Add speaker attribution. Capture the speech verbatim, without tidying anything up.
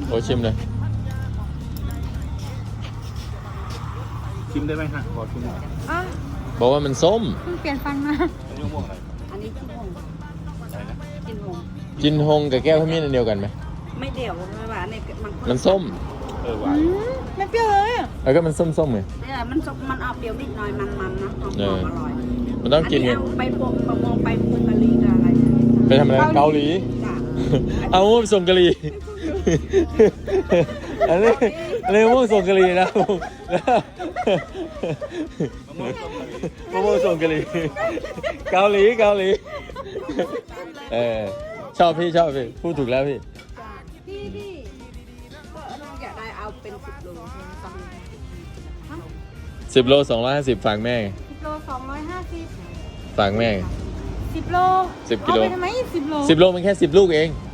Speaker 1: โอ้ชิมเลย
Speaker 2: ชิมได้ไหมฮะขอชิมหน่อย
Speaker 3: อ่ะ
Speaker 1: บอกว่ามันส้ม
Speaker 3: เพิ่งเปลี่ยนฟันมา
Speaker 2: อันนี้มะม่วงอะไร
Speaker 4: อันนี้กินหง
Speaker 2: อะไรนะ
Speaker 4: กินหง
Speaker 1: จินฮงกับแก้วขมิ้นอันเดียวกันไหม
Speaker 4: ไม่เดี่ยวไม่หวานเนี่ยมัน
Speaker 1: มันส้ม
Speaker 2: เออหวาน
Speaker 3: อืมไม่เปรี้ยวเลยอะ
Speaker 1: แล้วก็มันส้มๆไง
Speaker 4: เนี่ยมันสมันออกเปรี้ยวนิดหน่อยมันๆนะหอมๆอร่อย
Speaker 1: มันต้องกินไง
Speaker 4: เอาไปพวงมะม่วงไปพวงกะลีกับอะไรเนี่ย
Speaker 1: ไปทำอะไรเกาหลี
Speaker 4: จ้ะ
Speaker 1: เอาม่วงส่งกะหรี่ อันนี้อันนี้ม่วงส่งกะหรี่นะมะม่วงส่งกะหรี่เกาหลีเกาหลีเออชอบพี่ชอบพี่พูดถูกแล้วพี่
Speaker 4: จ้ะพี่พี่ก็เราอยากได้เอาเป็นสิบโลต้อง
Speaker 1: สิบโลสองร้อยห้าสิบฝากแม่ไง
Speaker 3: สิบโลสองร้อยห้าสิบ
Speaker 1: ฝากแม่ไง
Speaker 3: สิบโล
Speaker 1: สิบกิโล
Speaker 3: เอาไปทำไมสิบโล
Speaker 1: สิบโลมันแค่สิบลูกเอง
Speaker 3: อ